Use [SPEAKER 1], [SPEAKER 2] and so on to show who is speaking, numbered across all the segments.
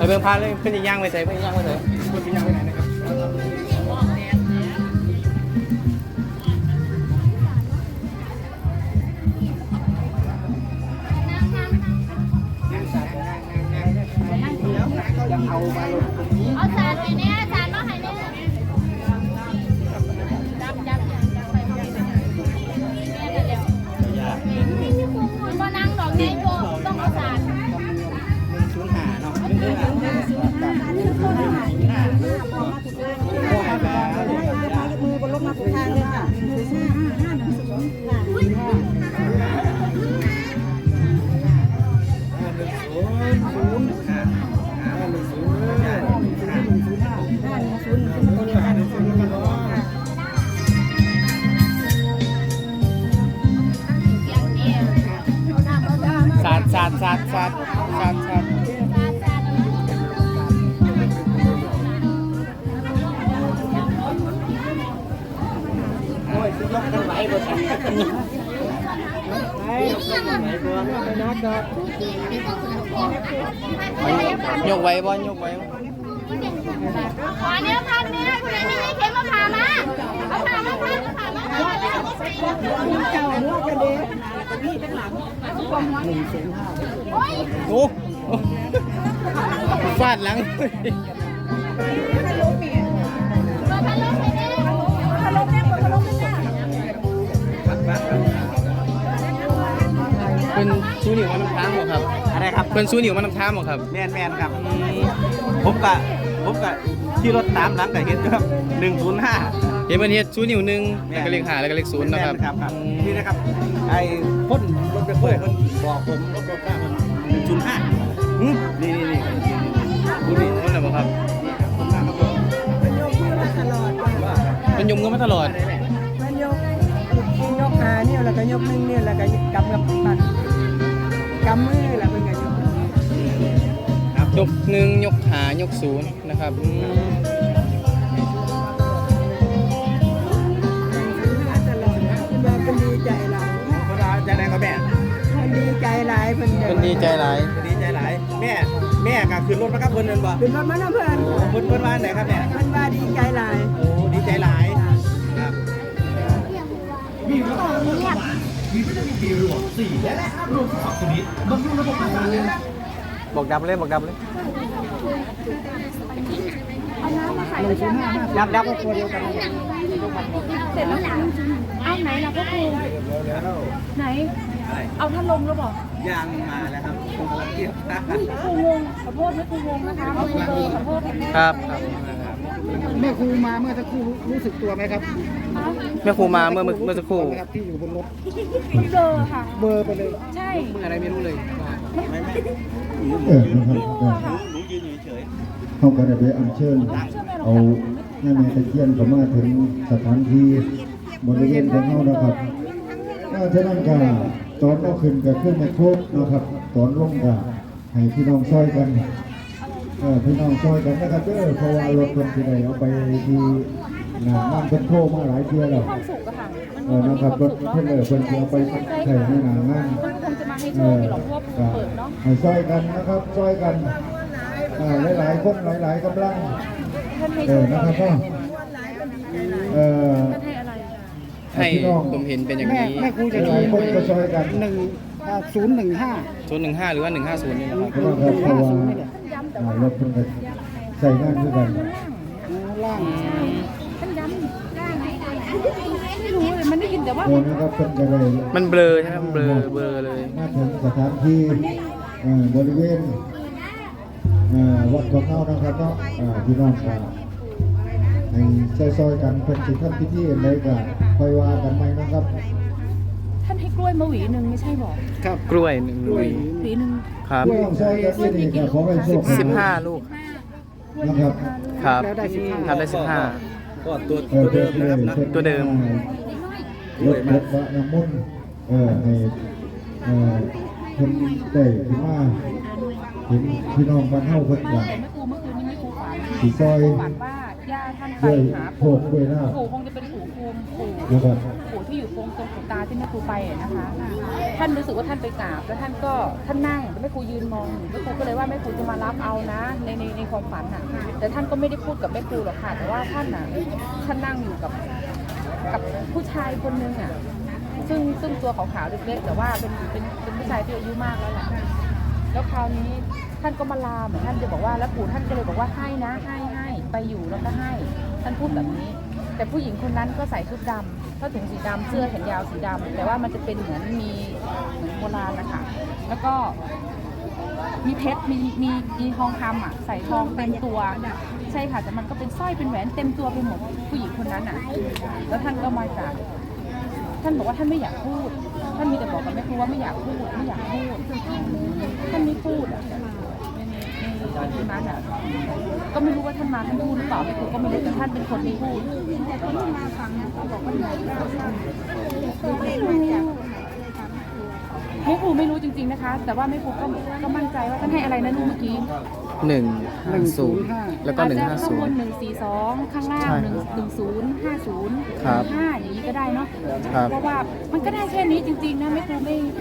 [SPEAKER 1] ไปเบิ่งพาเลยเพิ่นสิย่างไปใส่เพิ่นสิย่างไปใส่เพิ่นสิย่างไปไหนนะครับ
[SPEAKER 2] เอาจานไปเนี่ยจานมาให้เนี่ยจับไปมาเนี่ยเดี๋ยวมานั่งดอกไงโยต้องเอาจาน
[SPEAKER 1] 105เนาะ
[SPEAKER 3] มือบนรถมาถูกทางเลยค่ะ
[SPEAKER 1] สัดโอ้ยสิยกกันไหวบ่สักยกไว้บ่ยกไว้
[SPEAKER 2] ขอเนื้อพันเนี่ยคุณไอ้นี่ไม่เค็มมาผ่ามาเอาผ่ามา
[SPEAKER 3] เจ้าเนื้อกระเด็น
[SPEAKER 1] โอ้ฟาดหลังเป็นซูนิวมันน้ำค้างหรอครับอะไรครับเป็นซูนิวมันน้ำค้างหรอครับ
[SPEAKER 4] แมนครับผมกะขี่รถตามหลังแต่เห็นครับ105
[SPEAKER 1] เห็นมันเฮ็ดซูนิว1แล้วก็เลข5แล้วก็เลข0นะครับ
[SPEAKER 4] นี่นะครับไอ้พ่นรถไปเปิดคนบอกผมรถหน้ามัน105นี่
[SPEAKER 1] ดูนี่นั่นแหละครับมันยมกันมาตลอด
[SPEAKER 3] มันยกขาเนี่ยแล้วก็ยกนึงเนี่ยแล้วก็กำกับปันกำมือแล้วเป็นไง
[SPEAKER 1] ยก1ยก5ยก0นะครับ
[SPEAKER 3] เป็นดีใจหลาย
[SPEAKER 4] เขาจะได้ก็แม่
[SPEAKER 3] ดีใจหลาย
[SPEAKER 1] เป็นดีใจหลาย
[SPEAKER 4] แม่ก็ขึ้นรถมากับเพิ่นนั่นบ่
[SPEAKER 3] ขึ้นรถมาแล้วเ
[SPEAKER 4] พิ่นว่าไหนครับแม่
[SPEAKER 3] เพิ่นว่าดีใจหลาย
[SPEAKER 4] โอ้ดีใจหลายครับ
[SPEAKER 5] มีวิตามินBรวม4และรวม2ชนิดบำรุงระบบประสาท
[SPEAKER 1] บอกดับเลย
[SPEAKER 3] ดับก็ตัวเดียวกัน
[SPEAKER 2] เสร็จแล้วเอาไหนล่ะพ่อครูไหนเอาท่านลงแล้วบอก
[SPEAKER 4] ยังมาแล้วครับผมกำลังเทียบ
[SPEAKER 2] ครูวงขอโทษนะครูวงนะคะขอโทษ
[SPEAKER 1] ครับ
[SPEAKER 3] แม่ครูมาเมื่อสักครู่รู้สึกตัวไหมครับ
[SPEAKER 1] แม่ครูมาเมื่อสักครู่
[SPEAKER 3] ที่อยู่บนรถ
[SPEAKER 2] เบอร์ค่ะ
[SPEAKER 3] เบอร์ไปเลย
[SPEAKER 2] ใช่
[SPEAKER 1] อะไรไม่รู้เลย
[SPEAKER 4] ไม่หนูยืนเฉย
[SPEAKER 6] เขาก็ได้ไปอัญเชิญเอาแม่ตะเคียนเข้ามาถึงสถานที่บริเวณของเขานะครับฉะนั้นก็ตอนเอาขึ้นก็ขึ้นในโคกนะครับตอนลงก็ให้พี่น้องช่วยกันพี่น้องช่วยกันนะครับเพราะว่ารถคนที่ไหนเอาไปที่หน้างานเพิ่นโทรมาหลายเที่ยวแล้วนะครับรถเพิ่นเพิ่นจะเอาไปใช้ในหน้างานให้ช่วยกันนะครับช่วยกันหลายคนหลายกำลังนะครับก็
[SPEAKER 1] ให้ผมเห็นเป็นอย่างนี้
[SPEAKER 3] แม่ครูจะ
[SPEAKER 6] หลายคนก็ช่วยกัน
[SPEAKER 1] 015หรือว่า150นี่นะครับ
[SPEAKER 6] เพราะว่ารถเพิ่นก็ใช้งานด้วยกัน
[SPEAKER 3] ล่างไม่รู้เลยมันได้ยินแต่ว่า
[SPEAKER 6] นะครับเพิ่นก็เลย
[SPEAKER 1] มันเบลอใช่ไหมเบลอเลย
[SPEAKER 6] มาถึงสถานที่บริเวณวัดของเรานะครับเนาะพี่น้องก็ให้ซอยๆกันเพิ่นสิทำพิธีอะไรก็ค่อยว่ากันใหม่นะครับ
[SPEAKER 2] ท่านให้กล้วยมาหวีหนึ่งไม่ใช่บอก
[SPEAKER 1] ครับกล้วย1ห
[SPEAKER 2] วีหนึ่ง
[SPEAKER 1] ครับ
[SPEAKER 6] ซอยกันนี่ก็ขอให้โชค
[SPEAKER 1] 15ลูก
[SPEAKER 6] นะครับ
[SPEAKER 1] ครับทำได้15
[SPEAKER 4] ก็ตัวเดิมนะครับนะ
[SPEAKER 1] ตัวเดิม
[SPEAKER 6] รถพระน้ำมนต์ให้เพิ่นได้ขึ้นมาเห็นพี่น้องบ้านเฮาเพิ่นก็สิซอย
[SPEAKER 2] ย่าท่านไปหาปู่คงจะเป็นปู่ภูมิปู่ที่อยู่ตรงตา
[SPEAKER 7] ที่แม่ครูไปนะคะท่านรู้สึกว่าท่านไปกราบแล้วท่านนั่งแล้วแม่ครูยืนมองแม่ครูก็เลยว่าแม่ครูจะมารับเอานะในความฝันน่ะแต่ท่านก็ไม่ได้พูดกับแม่ครูหรอกค่ะแต่ว่าท่านนั่งอยู่กับผู้ชายคนนึงอ่ะซึ่งตัวขาวๆเล็กๆแต่ว่าเป็นผู้ชายที่อายุมากแล้วแหละแล้วคราวนี้ท่านก็มาลาเหมือนท่านจะบอกว่าแล้วปู่ท่านก็เลยบอกว่าให้นะให้ไปอยู่แล้วก็ให้ท่านพูดแบบนี้แต่ผู้หญิงคนนั้นก็ใส่ชุดดำผ้าถุงสีดำเสื้อแขนยาวสีดำแต่ว่ามันจะเป็นเหมือนโบราณนะคะแล้วก็มีเพชรมีทองคำอ่ะใส่ทองเต็มตัวใช่ค่ะแต่มันก็เป็นสร้อยเป็นแหวนเต็มตัวไปหมดผู้หญิงคนนั้นอ่ะแล้วท่านก็มาจากท่านบอกว่าท่านไม่อยากพูดท่านมีแต่บอกกับแม่ครูว่าไม่อยากพูดท่านไม่พูดอ่ะในนั้นอ่ะก็ไม่รู้ว่าท่านมาท่านพูดหรือเปล่าแม่ครูก็ไม่รู้แต่ท่านเป็นคนที่พูดแม่ครูไม่รู้จริงๆนะคะแต่ว่าแม่ครูก็มั่นใจว่าท่านให้อะไรนะลูกเมื่อกี้
[SPEAKER 1] 150แล้วก็
[SPEAKER 7] อาจจะข้างบน142ข้างล่าง1050
[SPEAKER 1] ครับ
[SPEAKER 7] 5อย่างนี้ก็ได้เนาะเพราะว่ามันก็ได้แค่นี้จริงๆนะแม่ครู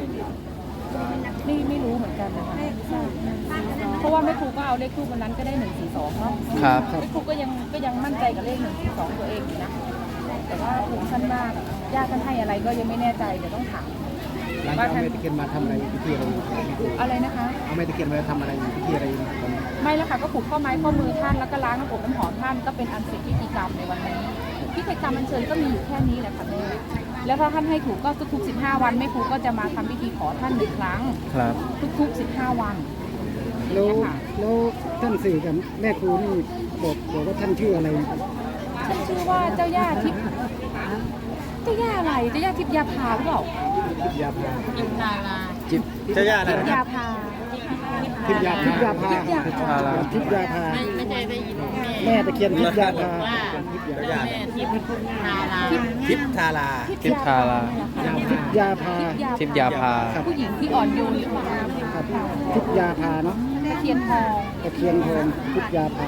[SPEAKER 7] ไม่รู้เหมือนกันนะคะเพราะว่าแม่ครูก็เอาเลขทูปวันนั้นก็ได้142เนาะ
[SPEAKER 1] ครับ
[SPEAKER 7] แม่ครูก็ยังมั่นใจกับเลข142ตัวเองอยู่นะแต่ว่าถูกท่านมากญาติท่านให้อะไรก็ยังไม่แน่ใจเดี๋ยวต้องถาม
[SPEAKER 4] ว่าท่านเอาแม่ตะเคียนมาทำอะไรพิธีอะไร
[SPEAKER 7] นะคะ
[SPEAKER 4] เอาแม่ตะเคียนมาทำอะไรพิธีอะไร
[SPEAKER 7] ไม่แล้วค่ะก็ผูกข้อไม้ข้อมือท่านแล้วก็ล้างน้ำอบน้ำหอมท่านก็เป็นอันเสร็จพิธีกรรมในวันนี้พิธีกรรมอัญเชิญก็มีอยู่แค่นี้แหละค่ะแม่แล้วถ้าท่านให้ถูกก็ทุกๆ15 วันแม่ครูก็จะมาทำพิธีขอท่าน1 ครั้ง
[SPEAKER 1] ครับ
[SPEAKER 7] ทุกๆ15 วัน
[SPEAKER 3] แล้วท่านสื่อกับแม่ครูนี่บอกว่าท่านชื่ออะไร
[SPEAKER 7] ท่านชื่อว่าเจ้าย่าทิพย์เจ้าย่าอะไรเจ้าย่าทิพย์ยาพาหรือเปล่า
[SPEAKER 4] ทิพยาภา
[SPEAKER 2] ทิพนาลา
[SPEAKER 4] เจ้าย่าอะไร
[SPEAKER 7] ทิพยาภา
[SPEAKER 3] ทิพยาภาทิพยาภา
[SPEAKER 2] ไม่ใช่ได้ยิน
[SPEAKER 3] แม่ตะเคียนทิพยาภา
[SPEAKER 2] ว่าแม่ทิพนาลา
[SPEAKER 4] ทิพทารา
[SPEAKER 1] ทิพยาภา
[SPEAKER 7] ผู้หญิงที่อ่อนโยนหรือเปล่า
[SPEAKER 3] ทิพยาภาเนาะ
[SPEAKER 7] ตะเคียนทอง
[SPEAKER 3] ทิพยาภา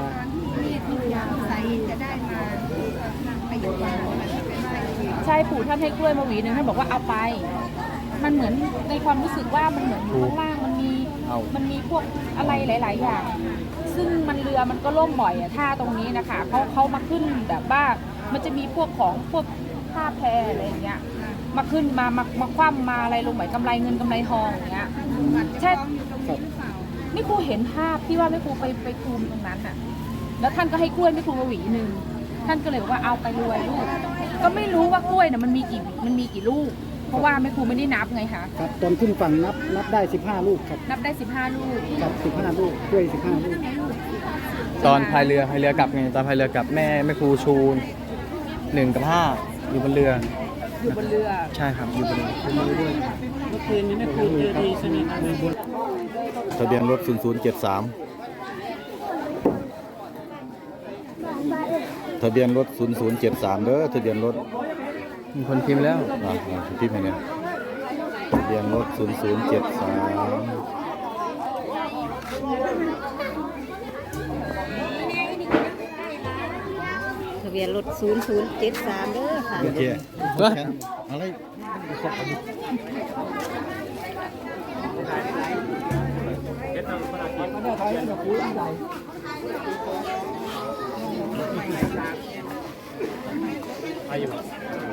[SPEAKER 7] ใช่ปู่ท่านให้กล้วยมาหวีนึงท่านบอกว่าเอาไปมันเหมือนในความรู้สึกว่ามันเหมือนอยู่ข้างล่างมันมีพวกอะไรหลายๆอย่างซึ่งเรือมันก็ล่มบ่อยอะท่าตรงนี้นะคะเขามาขึ้นแบบว่ามันจะมีพวกท่าแพอะไรอย่างเงี้ยมาขึ้นมาคว่ำมาอะไรลงเหมือนกำไรเงินกำไรทองอย่างเงี้ยใช่นี่ครูเห็นภาพที่ว่าแม่ครูไปคุมตรงนั้นน่ะแล้วท่านก็ให้กล้วยแม่ครูมาหวีนึงท่านก็เลยบอกว่าเอาไปรวยลูกก็ไม่รู้ว่ากล้วยน่ะมันมีกี่ลูกเพราะว่าแม่ครูไม่ได้นับไงคะ
[SPEAKER 3] ครับตอนขึ้นฝั่งนับได้15 ลูกครับ
[SPEAKER 7] นับได้15 ลูก
[SPEAKER 3] ครับ15 ลูกกล้วย15 ลูก
[SPEAKER 1] ตอนพายเรือกลับไงตอนพายเรือกลับแม่ครูชู1 กับ 5อยู่บนเรือใช่ครับอยู่บนเรือ
[SPEAKER 4] เมื่อคืนนี้แม่ครูเจอดีใช่ไหมครับ
[SPEAKER 6] ทะเบียนรถ0073ทะเบียนรถ0073เด้อทะเบียนรถ
[SPEAKER 1] มีคนพิมพ์แล้ว
[SPEAKER 6] พิมพ์ให้เนี่ยทะเบียนรถ0073
[SPEAKER 2] ทะเบียนรถ0073เด้อค่ะ
[SPEAKER 6] โอเคอะไร
[SPEAKER 4] อายุ